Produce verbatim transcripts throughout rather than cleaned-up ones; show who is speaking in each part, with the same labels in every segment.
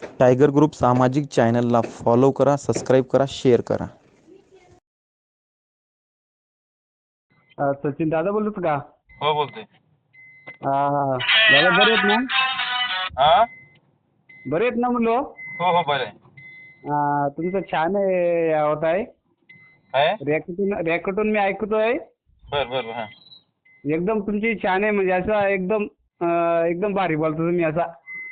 Speaker 1: Tiger group सामाजिक चॅनलला follow करा, सबस्क्राईब करा, शेअर करा.
Speaker 2: अ, सचिन दादा बोलत का?
Speaker 3: हो बोलतोय.
Speaker 2: हा हा दादा बरे आहेत ना?
Speaker 3: हा
Speaker 2: बरे आहेत ना म्हणलो?
Speaker 3: हो हो बरं आहे.
Speaker 2: अ, तुमचं छान आहे होत आहे.
Speaker 3: काय
Speaker 2: रॅकेटून रॅकेटून मी ऐकतोय.
Speaker 3: बर बर बर हा
Speaker 2: एकदम तुमची छान आहे म्हणजे असं एकदम अ, एकदम भारी बोलतो तुम्ही असा.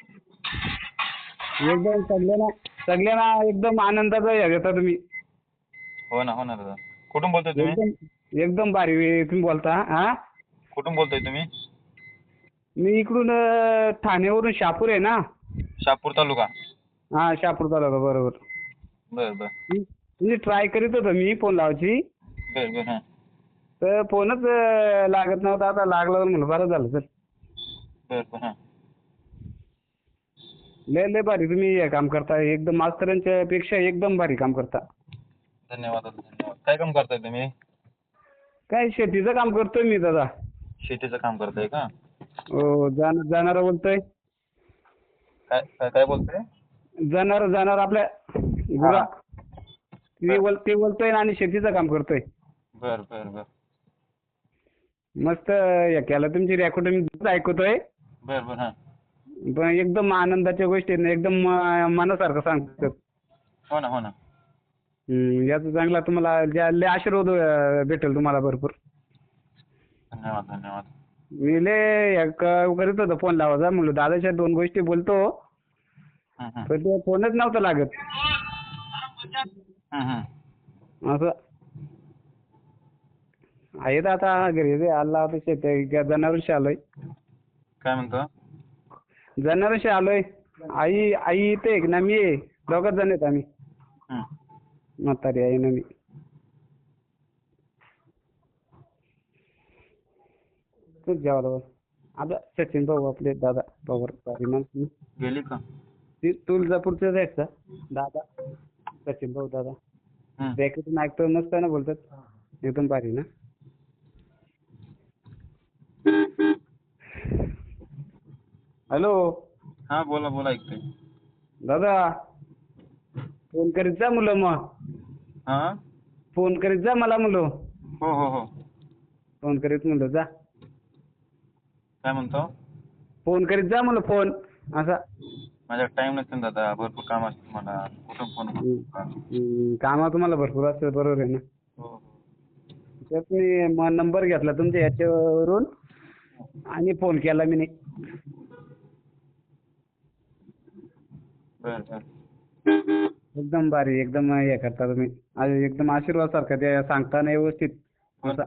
Speaker 2: एकदम सगळ्यांना सगळ्यांना एकदम आनंदाचा हे घेता तुम्ही.
Speaker 3: हो ना हो ना दादा. कुठून बोलतोय तुम्ही?
Speaker 2: एकदम एकदम भारी तुम्ही बोलता. हा
Speaker 3: कुठून बोलतोय तुम्ही?
Speaker 2: मी इकडून अ, ठाण्यावरून शहापूर आहे ना.
Speaker 3: शहापूर तालुका.
Speaker 2: हा शहापूर तालुका बरोबर.
Speaker 3: बर बर
Speaker 2: म्हणजे ट्राय करीत होतो मी फोन लावायची.
Speaker 3: बर बर हा
Speaker 2: तर फोनच अ, लागत नव्हता. आता लागला म्हणलं बरं झालं सर.
Speaker 3: बर बर हा
Speaker 2: लय लय भारी तुम्ही हे काम करता. एकदम मास्तरांच्या पेक्षा एकदम भारी काम करता.
Speaker 3: धन्यवाद दादा धन्यवाद. काय काम करताय तुम्ही?
Speaker 2: काय शेतीचं काम करतोय मी दादा.
Speaker 3: शेतीचं काम करताय का?
Speaker 2: हो जाण जाणारा बोलतोय.
Speaker 3: काय काय काय बोलतोय?
Speaker 2: जाणार जाणार आपल्या
Speaker 3: हा
Speaker 2: गुरा ते बोल ते बोलतोय आणि शेतीचं काम करतोय.
Speaker 3: बर बर बर
Speaker 2: मस्त हे केलं तुमची रेकॉर्डिंग मी ऐकतोय.
Speaker 3: बर बर हा
Speaker 2: पण एकदम आनंदाच्या गोष्टी आहेत ना, एकदम म- मनासारखं सांगतात.
Speaker 3: हो ना हो ना.
Speaker 2: हम्म, याचा चांगला तुम्हाला ज्या लय आशीर्वाद अ, भेटेल तुम्हाला भरपूर.
Speaker 3: धन्यवाद धन्यवाद.
Speaker 2: मी लय हे क- करीत होतो फोन लावायचा म्हणलं दादाच्या दोन गोष्टी बोलतो.
Speaker 3: हं, हं.
Speaker 2: पण ते फोनच नव्हता लागत
Speaker 3: हं, हं.
Speaker 2: असं. आहेत आता घरी ते आला होता शेत जनावरशी आलोय.
Speaker 3: काय म्हणतो?
Speaker 2: जनावरशी आलोय. आई आई इथे एक ना मी आहे. दोघच जण आहेत आम्ही.
Speaker 3: हं.
Speaker 2: म्हातारी आई ना मी. तूच जेवायला बस. आता सचिन भाऊ आपले दादा पवार भारी माणसं.
Speaker 3: गेली का?
Speaker 2: ते तुळजापूरचेच आहेत का दादा? सचिन भाऊ दादा.
Speaker 3: हं.
Speaker 2: रॅकेटून ऐकतो मस्त ना बोलतात. एकदम भारी ना. हॅलो
Speaker 3: हा बोला बोला ऐकतोय.
Speaker 2: दादा फोन करीत जा मुलं मग.
Speaker 3: हा
Speaker 2: फोन करीत जा मला मुलं.
Speaker 3: हो हो हो.
Speaker 2: फोन करीत म्हणलं जा.
Speaker 3: काय म्हणतो?
Speaker 2: फोन करीत जा म्हणलं फोन असा.
Speaker 3: माझ्या टाइम नसेल दादा, भरपूर काम असतं मला. कुठून फोन
Speaker 2: हम्म.
Speaker 3: करू का?
Speaker 2: हम्म, कामं तुम्हाला भरपूर असतात बरोबर आहे ना.
Speaker 3: हो हो.
Speaker 2: त्यात मी म- नंबर घेतला तुमच्या याच्यावरून आणि फोन केला मी.
Speaker 3: बर बर.
Speaker 2: एकदम भारी एकदम हे करता तुम्ही. आणि एकदम आशीर्वाद सारखं ते सांगताना व्यवस्थित असं.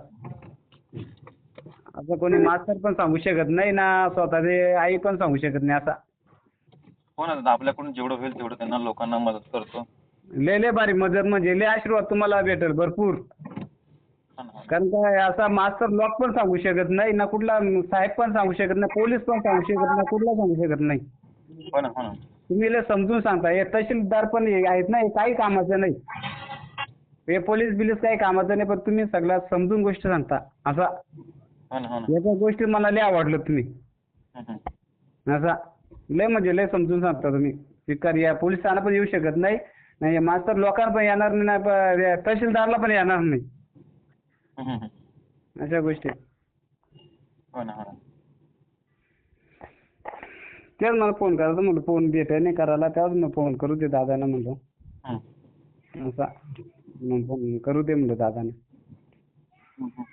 Speaker 2: असं कोणी मास्तर पण सांगू शकत नाही ना, स्वतःची आई पण सांगू शकत नाही असा.
Speaker 3: हो ना दादा, आपल्याकडून जेवढं होईल तेवढं त्यांना लोकांना मदत करतो.
Speaker 2: लय लय भारी मदत म्हणजे लय आशीर्वाद तुम्हाला भेटेल भरपूर.
Speaker 3: हा ना, हा ना.
Speaker 2: कारण काय असा मास्तर लोक पण सांगू शकत नाही ना, कुठला साहेब पण सांगू शकत नाही, पोलीस पण सांगू शकत नाही, कुठला सांगू शकत नाही.
Speaker 3: हो ना हो ना.
Speaker 2: तुम्ही लय समजून सांगता. हे तहसीलदार पण हे आहेत ना, हे काही कामाचं नाही. हे पोलीस बिलीस काही कामाचं नाही, पण तुम्ही सगळ्या समजून गोष्ट सांगता असा.
Speaker 3: हो ना हो ना.
Speaker 2: याच्या गोष्टी मला लय आवडलं तुम्ही
Speaker 3: हं, हं.
Speaker 2: असा. लय म्हणजे लय समजून सांगता तुम्ही. स्वीकार या पोलिसांना पण येऊ शकत नाही, नाही मास्तर लोकांना पण येणार नाही, प- तहसीलदारला पण येणार नाही
Speaker 3: हं, हं, हं.
Speaker 2: अशा गोष्टी.
Speaker 3: हो ना हो ना.
Speaker 2: तेच मला फोन करायचा म्हणलं, फोन भेटाय नाही करायला, त्याच मग फोन करू दे दादांना म्हणलं
Speaker 3: हं.
Speaker 2: असा. मग फोन करू दे म्हणलं दादांना.
Speaker 3: हं, हं.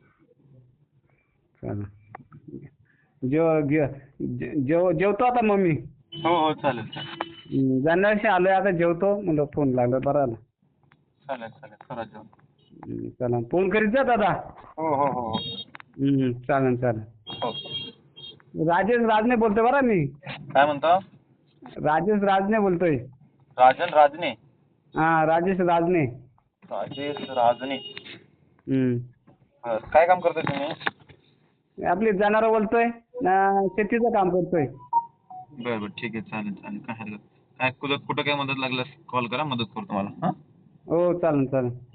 Speaker 2: चला जेव जे- जेव जेवतो आता मग मी.
Speaker 3: हो हो चालेल चालेल.
Speaker 2: जाण्याशी आलोय आता जेवतो म्हणलं, फोन लागला बरं आला.
Speaker 3: चालेल चालेल करा जेवण.
Speaker 2: हम्म, चला फोन करीत जा दादा.
Speaker 3: हो हो हो हो.
Speaker 2: हम्म, चालेल चालेल.
Speaker 3: हो.
Speaker 2: राजेश राजने बोलतोय बरं मी.
Speaker 3: काय म्हणतो?
Speaker 2: राजेश राजने बोलतोय.
Speaker 3: राजन राजने.
Speaker 2: हा राजेश राजने.
Speaker 3: राजेश राजने.
Speaker 2: हम्म.
Speaker 3: बर. काय काम करताय तुम्ही?
Speaker 2: आपली जनावरं बोलतोय ना, शेतीचं काम करतोय.
Speaker 3: बरं बरं ठीक आहे चालेल चालेल काय हरकत काय कुठं कुठं काय मदत लागल्यास कॉल करा मदत करतो तुम्हाला. हां
Speaker 2: हो चालेल चालेल.